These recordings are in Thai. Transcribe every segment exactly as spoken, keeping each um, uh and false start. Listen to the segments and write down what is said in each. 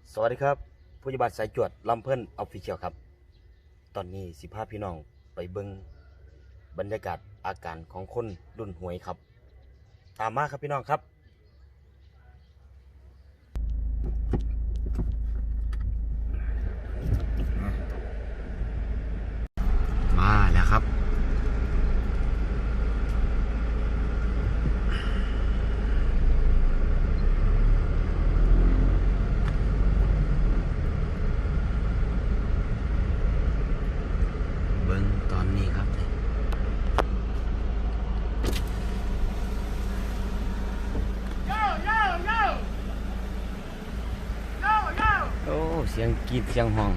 สวัสดีครับผู้ใหญ่บ้านสายจวดลำเพิ่นออฟฟิเชียลครับตอนนี้สิพาพี่น้องไปเบิ่งบรรยากาศอาการของคนรุ่นหวยครับตามมาครับพี่น้องครับมาแล้วครับเบิ่งตอนนี้ครับโอ้เสียงกรีดเสียงห้อง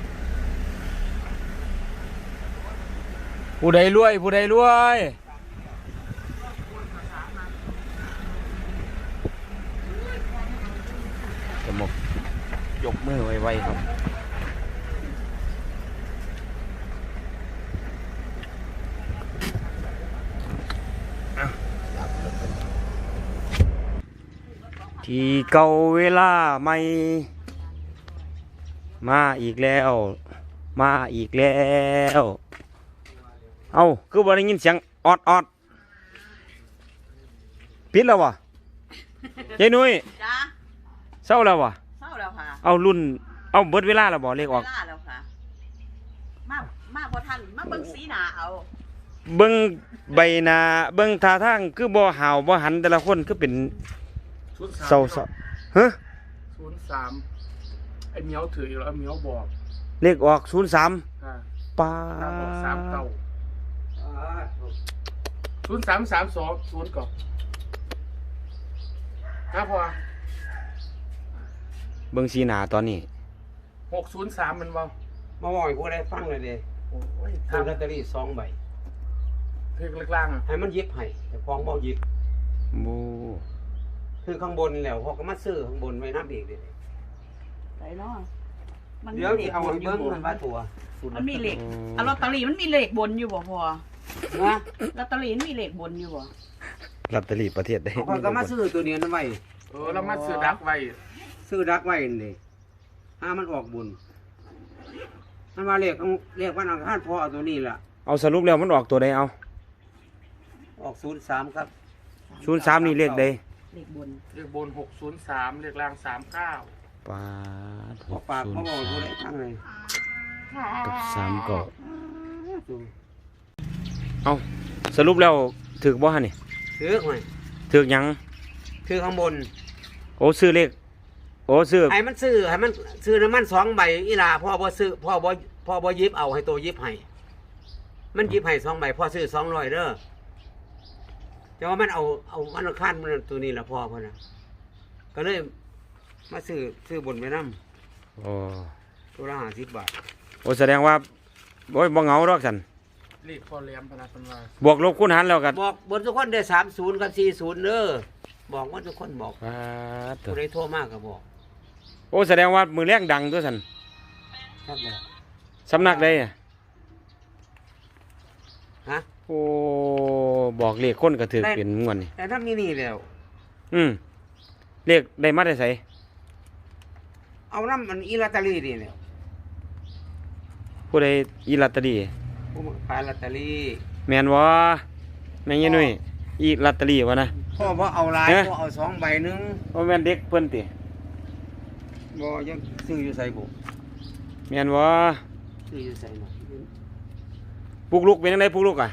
ผู้ใดรวยผู้ใดรวยจะหมกยกมือไวๆครับที่เก่าเวลาใหม่มาอีกแล้วมาอีกแล้วเอาคือบ่ได้ยินเสียงออดออดปิดแล้ววะยายนุ้ยจ้าเศร้าแล้ววะเศร้าแล้วค่ะเอารุ่นเอาเบิดเวลาแล้วบ่เลขออกเวลาแล้วค่ะ มามาพอทันมาเบิ่งสีหน้าเอาเบิ่งใบหน้าเบิ่งท่าทางคือบ่ห่าวบ่หันแต่ละคนคือเป็นเศร้าเศร้าฮะศูนย์สามไอ้เหมียวถืออยู่แล้วเหมียวบอกเลขออกศูนย์สามอ่าปาตาบอกสามเก้าศูนย์สามสามสองศูนย์ก่อนครับพอเบิ่งสีหน้าตอนนี้หกศูนย์สามมันเบามาบอกให้ผู้ใดฟังเลยเด้โอ้ยซื้อลอตทำเตอรี่สองใบเพลงเล็กล่างอ่ะให้มันหยิบให้แต่ฟองบ่หยิบบูคือข้างบนแล้วพอก็มาซื้อข้างบนไว้น้ำอีกเด้ไหนเนาะมันมีเดี๋ยวเลสิขเอาบให้นอยู่เบิ่งบ่มันว่าตัวมันมีเลขอะลอตเตอรี่มันมีเลขบนอยู่บ่พอนะลอตเตอรี่มันมีเลขบนอยู่บ่ลอตเตอรี่ประเทศได้พอก็มาซื้อตัวนี้นั่นไว้เออเรามาซื้อดักไว้ซื้อดักไว้นี่เด้ถ้ามันออกบุญมันว่าเลขของเลขวันอังคารพอเอาตัวนี้ล่ะเอาสรุปแล้วมันออกตัวใดเอาออกศูนย์สามครับศูนย์สามนี่เลขใดเลขบนเลขบนหกศูนย์สามเลขล่างสามเก้าปาดพอปากมาบอกให้ผู้ใดฟังเลยกับสามเก็เอาสรุปแล้วถึกบ่ฮะนี่ซื้อหน่อยถึกหยังซื้อข้างบนโอ้ซื้อเลขโอ้ซื้อให้มันซื้อให้มันซื้อน้ำมันสองใบอีหลาพ่อบ่ซื้อพ่อบ่พ่อบ่หยิบเอาให้ตัวหยิบให้มันหยิบให้สองใบพ่อซื้อสองร้อยเด้อแต่ว่ามันเอาเอามันเอาขั้นมันตัวนี้ละพ่อพ่อนะก็เลยมาซื้อซื้อบนไปน้โอ้ำตัวละห้าสิบบาทโอ้แสดงว่าโอ้ยบ่เหงาดอกสันเลขพอแหลมพนักพันวาบวกลบคูณหารแล้วกันบอกบนทุกคนได้สามศูนย์กับสี่ศูนย์เด้อบอกว่าทุกคนบอกปาดผู้ใดโทรมากก็บอกโอ้แสดงว่ามือแรงดังตัวสันครับแล้วสำนักใดอะฮะโอ้บอกเลขคนก็ถือเป็นงวดนี่แต่ถ้ามีนี่แล้วอืมเลขได้มาได้ไสเอาน้ำมันอีลอตเตอรี่นี่แล้วผู้ใดอีลอตเตอรี่ผู้ขายลอตเตอรี่แม่นบ่แม่นยายนุ่ยอีลอตเตอรี่วะนะพ่อบ่เอาหลายเอ๊ะพ่อเอาสองใบหนึงบ่แม่นเด็กเพิ่นติบ่ยังซื้ออยู่ใส่บุแม่นบ่ซื้ออยู่ใส่หน่อยปลุกลุกเป็นจังไดปลุกลุกอ่ะ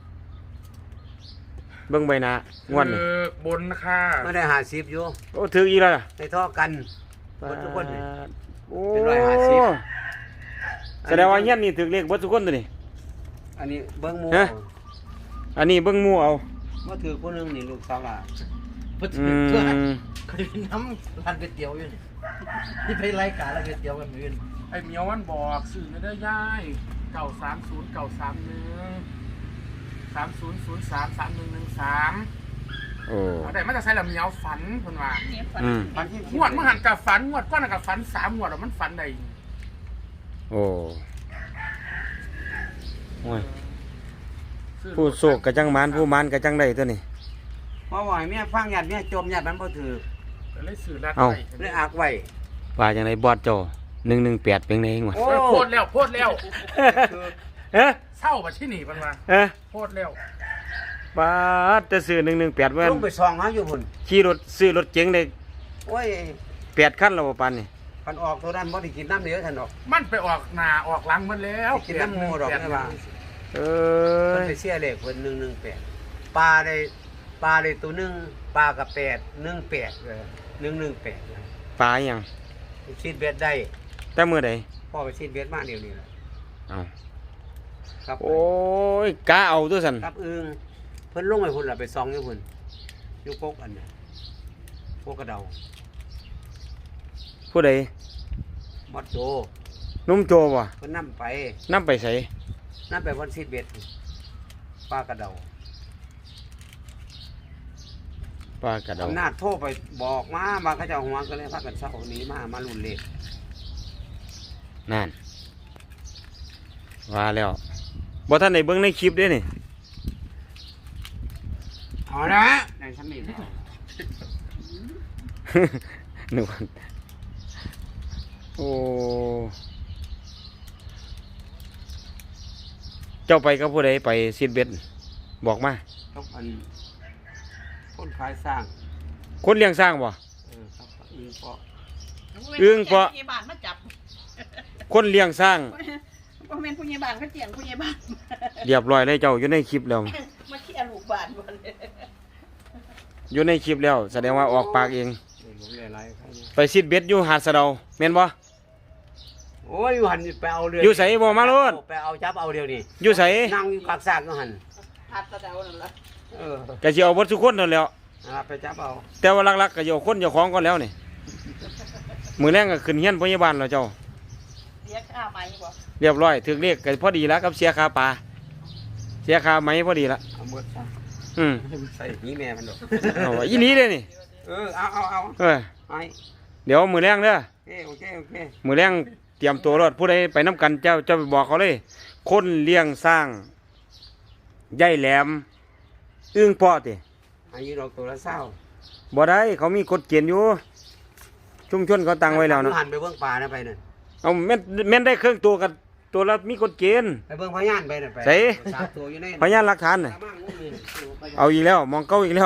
เบิ่งใบหน้างวดนี่คือบนค่ะไม่ได้หาสิบอยู่โอ้ถืออีกแล้วล่ะในท่อกันหมดทุกคนนี่โอ้เป็นร้อยห้าสิบแสดงว่าเฮียนนี่ถือเลขเบิดทุกคนตัวนี่อันนี้เบิ้งหมูฮะ อันนี้เบิ่งหมู่เอาว่าถือคนหนึงนี่ลูกสาวหลานอืมเคยเป็นน้ำร้านก๋วยเตี๋ยวอยู่นี่ที่ไปรายการร้านก๋วยเตี๋ยวกันมื้อนี้ไอ้เหมียวมันบอกซื้อไม่ได้ย่ายเก่าสามศูนย์เก่าสามหนึ่งสามศูนย์ศูนย์สามสามหนึ่งหนึ่งสามโอ้เอาแต่มันจะใช้ลำเหมียวฝันคนว่าอืมปันที่งวดมันหันกับฝันงวดก้อนกับฝันสามงวดแล้วมันฝันใดโอ้โอ้ยซื้อผู้โศกกะจังหมานผู้หมานกะจังได้ตัวนี้เพราะว่าให้แม่ฟังญาติแม่จมญาติมันบ่ถือก็เลยซื้อรัดเอ้าไว้เลยอักไว้ว่าจังไดบอสโจหนึ่งหนึ่งแปดเป็นไงเองวะโอ้โพดแล้วโพดแล้วเอ๊ะเศร้ามาที่นี่มันมาเอ๊ะโพดแล้วบาสจะซื้อหนึ่งหนึ่งแปดเมื่อลงไปซองหาอยู่พุ่นขี่รถซื้อรถเก๋งได้โอ้ยแปดคันแล้วบ่ปานนี่คันออกตัวนั้นบ่ได้กินน้ำเหลือท่านดอกมันไปออกหน้าออกหลังมันแล้วกินน้ำหมูดอกไม่ว่าเอ้เพิ่นยไปเสียเลขเพิ่นหนึ่งหนึ่งแปดปลาได้ปลาได้ตัวหนึงปลากับแปดหนึ่งแปดเลยหนึ่งหนึ่งแปดปลาหยังชีดเบ็ดได้แต่มื้อใดพ่อไปชีดเบ็ดมาเดี๋ยวนี้แหละเอ้าครับโอ้ยกะเอาตัวซั่นครับอึงเพิ่นลงไปพุ่นล่ะไปซองอยู่พุ่นอยู่กกอันน่ะพวกกระเดาผู้ใดมอดโจนุ่มโจบ่เพิ่นนำไปนำไปไสนำไปวันชีดเบ็ดปลากระเดาปลากระเดาอำนาจโทรไปบอกมามาเขาเจ้าหัวก็เลยพากันเศร้าหนีมามารุ่นเลขนั่นว่าแล้วบ่ทันได้เบิ่งในคลิปเด้นี่เอาละในชั้นนี้แล้วนึกว่าโอ้เจ้าไปกับผู้ใดไปซีดเบ็ดบอกมาต้องอันคนขายสร้างคนเลี้ยงสร้างบ่เออครับอึงเพาะอึ้งเพราะผู้ใหญ่บ้านมาจับคนเลี้ยงสร้างบ่แม่นผู้ใหญ่บ้านเขาเจียงผู้ใหญ่บ้านเรียบร้อยเลยเจ้าอยู่ในคลิปแล้วมาเคลียร์ลูกบ้านบ่เลยอยู่ในคลิปแล้ว แสดงว่าออกปากเองหลงหลายๆใครเนี่ยไปซีดเบ็ดอยู่หาดสะเดาแม่นบ่โอ้ยอยู่หันไปเอาเรืออยู่ไสบ่มาโลดไปเอาจับเอาเดียวนี่อยู่ไสนั่งอยู่กลางสร้างอยู่หันหัดตะเดานั่นล่ะเออก็สิเอาเบิดทุกคนนั่นแหล้วนะครับไปจับเอาแต่ว่าหลักๆก็อยู่คนเจ้าของก่อนแล้วนี่มื้อแรงก็ขึ้นเฮียนพยาบาลแล้วเจ้าเสียค่าไหมบ่เรียบร้อยถึงเรียกก็พอดีแล้วกับเสียค่าปลาเสียค่าไหมพอดีละเอาหมดซะอืมใส่หีแม่มันดอกเอาอีหลีเลยนี่เออเอาเอาเอาเออไปเดี๋ยวมื้อแรงเด้อโอเคโอเคโอเคมื้อแรงเตรียมตัวรถผู้ใดไปนํกันเจ้าเจ้าไปบอกเขาเลย คนเลี้ยงสร้างใหญ่แหลม อึ้งเพาะติอายุดอกตัวละเศร้าบ่ได้เขามีกฎเกณฑ์อยู่ ชุมชนเขาตั้งไว้แล้วเนาะหันไปเบื้องป่านะไปนั่นเอาแม่นแม่นได้เครื่องตัวกันตัวละมีกฎเกณฑ์ไปเบื้องพญานไปนั่นไปใส่สามตัวอยู่ในพยานหลักฐานน่ะตามมางูนี่เอาอีกแล้วมองเก้าอีกแล้ว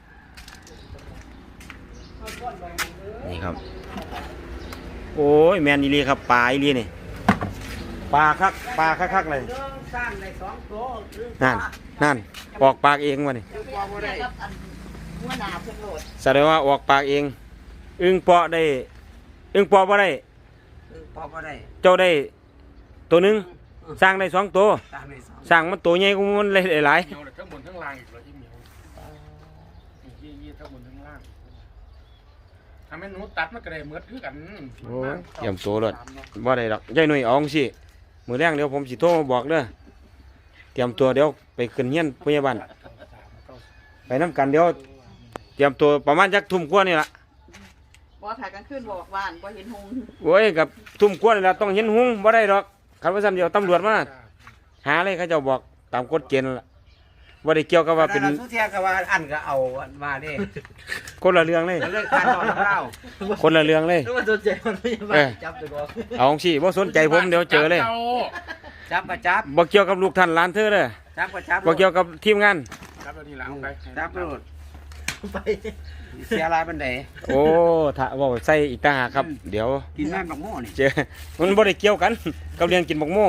นี่ครับ โอ้ยแมนอีหลีครับปลาอีหลีนี่ปลาคักปลาคักๆเลยเรื่องสร้างในสองตัวนั่นนั่นออกปากเองวะนี่เดี๋ยวไปเอาเรียกกับอันหัวหน้าเพิ่นโหลดแสดงว่าออกปากเอง อึ้งเปาะได้ อึ้งเปาะบ่ได้พอพอได้เจ้าได้ตัวหนึงสร้างได้สองตัวสร้างในสองสร้างมันตัวใหญ่กว่ามันเลยหลายเหนียวเลยทั้งบนทั้งล่างอีกเลยที่เหนียวยี่ยี่ทั้งบนทั้งล่างทำให้หนูตัดมันก็ได้เหมือนคือกันโอ้ยเตรียมตัวเลยบ่ได้ดอกยายหนุ่ยเอาจังสิมื้อแรงเดี๋ยวผมสิโทรมาบอกเด้อเตรียมตัวเดี๋ยวไปขึ้นเฮียนพยาบาลไปนํกันเดี๋ยวเตรียมตัวประมาณจักทุ่มกว่านี่ล่ะบ่ถ่ายกลางคืนบอกว่านบ่เห็นหงส์โอ้ยกับทุ่มกว่านี่ล่ะต้องเห็นหุงบ่ได้ดอกคันว่าซั่นเดี๋ยวตำรวจมาหาเลยเขาเจ้าบอกตามกฎเกณฑ์นั่นล่ะบ่ได้เกี่ยวกับว่าเป็นแล้วสุเทียก็ว่าอันก็เอามาเด้คนละเรื่องเลยแล้วเลยการนอนเล่าคนละเรื่องเลยนึกว่าตัวใจมันไม่มาเออจับตัวบอกเอาจังสิบ่สนใจผมเดี๋ยวเจอเลยจับก็จับบ่เกี่ยวกับลูกท่านหลานเธอเด้อจับก็จับบ่เกี่ยวกับทีมงานจับตัวนี้หลังไปจับโลดไปเสียหลายบันไดโอ้ถ้าเว้าใส่อีกต่างหากครับ เดี๋ยวกินแม่บักโม่นี่เจอมันบ่ได้เกี่ยวกันกับเรื่องกินบักโม่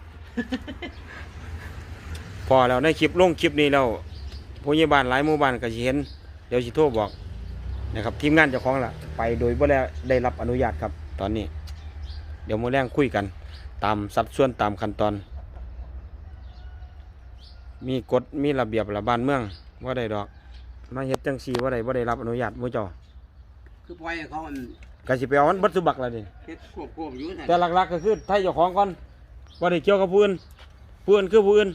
พอแล้วในคลิปลงคลิปนี้แล้วผู้ใหญ่บ้านหลายหมู่บ้านก็สิเห็นเดี๋ยวสิโทรบอกนะครับทีมงานเจ้าของล่ะไปโดยบ่ได้ได้รับอนุญาตครับ ตอนนี้ เดี๋ยวมื้อแรงคุยกัน ตามสัดส่วนตามขั้นตอน มีกฎมีระเบียบละบ้านเมืองบ่ได้ดอกมาเฮ็ดจังซี่บ่ได้บ่ได้รับอนุญาตหมู่เจ้าคือปล่อยให้เขาอันก็สิไปเอามันเบัดสุบักแล้วนี่เฮ็ดควบควบอยู่นั่นแต่หลักๆก็คือไทยเจ้าของก่อนบ่ได้เกี่ยวกับผู้อื่นผู้อื่นคือผู้อื่น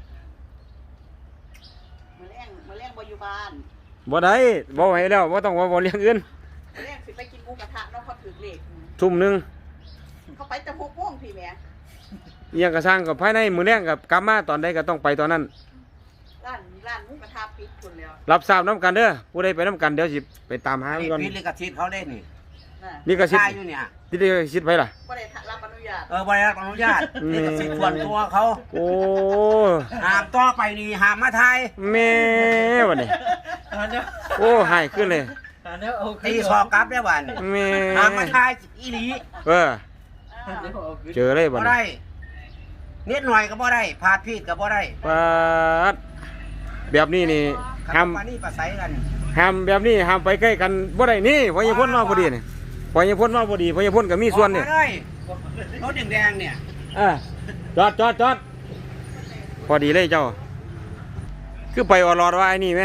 มื้อแรงมื้อแรงบ่อยู่บ้านบ่ได้บ่ให้แล้วบ่ต้องว่าบ่เลี้ยงอื่นมื้อแรงสิไปกินหมูกระทะเนาะเขาถือเลขทุ่มหนึงเขาไปแต่หกโมงพี่แหม่อิหยังก็สร้างก็ภายในมื้อแลงก็กลับมาตอนใดก็ต้องไปตอนนั้นร้านร้านหมูกระทะปิดพุ่นแล้วรับทราบนํกันเด้อผู้ใดไปนํกันเดี๋ยวสิไปตามหานี่ก่อนพิษลิขสิทธิ์เขาเล่นนี่นอ่านี่ก็สิทถ่ายธิ์อยู่เนี่ยที่ได้สิทธิ์ไว้ล่ะบ่ได้รับอนุญาตเออบริษัทอนุญาตอืมนี่ก็สิทธิ์ส่วนตัวเขาโอ้ห้ามต่อไปนี่ห้ามมาไทยแม่วันนี้อันเนี้ยโอ้หายขึ้นเลยอันเนี้ยเอาขึ้นตีสอกกลับได้วันแม่ห้ามมาไทยอีหลีเอออันเนี้ยเอาขึ้นเจอเลยบับ่ดนี้ได้นิดหน่อยก็บ่ได้พาดพีดก็บ่ได้ปาดแบบนี้นี่ขัห้ามปานี่ประสัยกันห้ามแบบนี้ห้ามไปใกล้กันบ่ได้นี่พอยายพ่นมาพอดีนี่พอยายพ่นมาพอดีพอยายพ่นก็มีส่วนนี่ออกมาเลยรถแดงๆเนี่ยเออจอดจอดจอดพอดีเลยเจ้า คือไปออรอดว่าไอ้นี่ไหม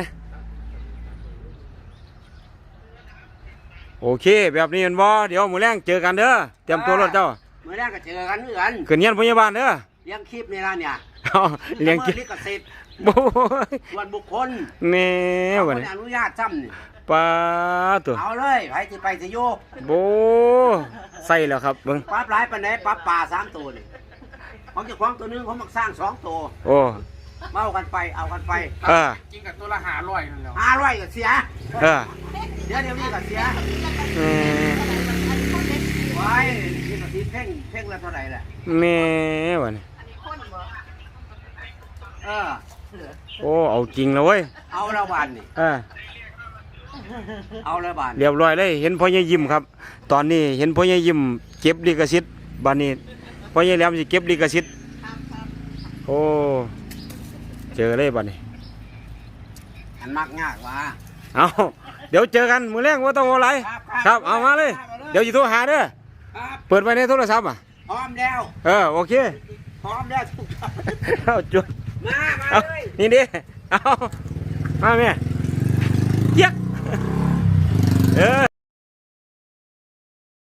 โอเค แบบนี้แมันบ่เดี๋ยวมื้อแรงเจอกันเด้อเตรียมตัวรถเจ้าเมื่อแรกก็เจอกันเหมือนกันขึ้นเงียนพยาบาลเด้อเลี้ยงคลิปในร้านเนี่ยเอาเลี้ยงกินลิขสิทธิ์โอ้ยส่วนบุคคลแม่เขาวันไม่นี้อนุญาตซ้ำนี่ปลาตัวเอาเลยไปที่ไปสิโยกโบใส่แล้วครับเบิ่งปรั๊บหลายปันไหนปรั๊บป่าสามตัวนี่ของเจ้าของตัวหนึงเขามักสร้างสองตัวโอ้มาเอากันไปเอากันไปเออจริงกับตัวละหาร้อยนั่นแหล้วห้าร้อยก็เสียเออเดี๋ยวเดี๋ยวนี้ก็เสียแม่ไว้นี่ก็สิเพ่งเพ่งละเท่าไหร่แหละแม่วันนี้อันนี้คนบ่เออโอ้เอาจริงแล้วเว้ยเอาละบานนี่เออเอาละบานเรียบร้อยเลยเห็นพ่อใหญ่ยิ้มครับ ตอนนี้เห็นพ่อใหญ่ยิ้มเก็บลิขสิทธิ์บัดนี้พ่อใหญ่แหลมสิเก็บลิขสิทธิ์ครับครับโอ้เจอเลยบัดนี้อันมักยากว่ะเอาเดี๋ยวเจอกันมื้อแรงว่าต้องเอาอะไรครับเอามาเลย เดี๋ยวจะโทรหาเด้อครับเปิดไว้ในโทรศัพท์อ่ะพร้อมแล้วเออโอเคพร้อมแล้วทุกท่านเอาจุดมามาเอาเลยนี่ดิเอามาแม่เจี๊ยกเออ